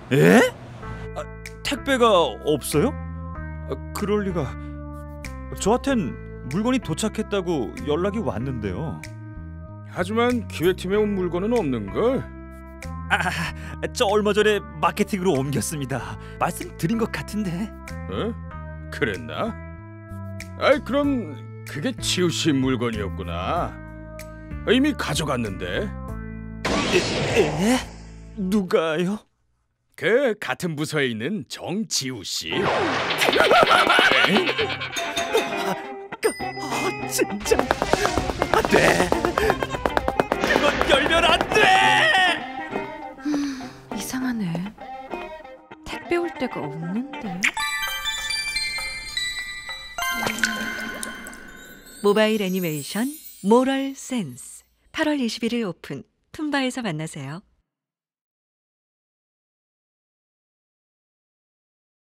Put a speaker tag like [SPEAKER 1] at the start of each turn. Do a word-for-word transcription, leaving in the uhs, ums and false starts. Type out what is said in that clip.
[SPEAKER 1] 에? 아, 택배가 없어요? 아, 그럴 리가. 저한텐 물건이 도착했다고 연락이 왔는데요.
[SPEAKER 2] 하지만 기획팀에 온 물건은 없는걸?
[SPEAKER 1] 아, 저 얼마 전에 마케팅으로 옮겼습니다. 말씀드린 것 같은데.
[SPEAKER 2] 어? 그랬나? 아이, 그럼 그게 지우 씨 물건이었구나. 이미 가져갔는데.
[SPEAKER 1] 에? 에? 누가요?
[SPEAKER 2] 그 같은 부서에 있는 정지우 씨.
[SPEAKER 1] 아, 진짜 안 돼. 그건 열면 안 돼.
[SPEAKER 3] 음, 이상하네. 택배 올 데가 없는데.
[SPEAKER 4] 모바일 애니메이션 모럴 센스 팔월 이십일일 오픈 툰바에서 만나세요.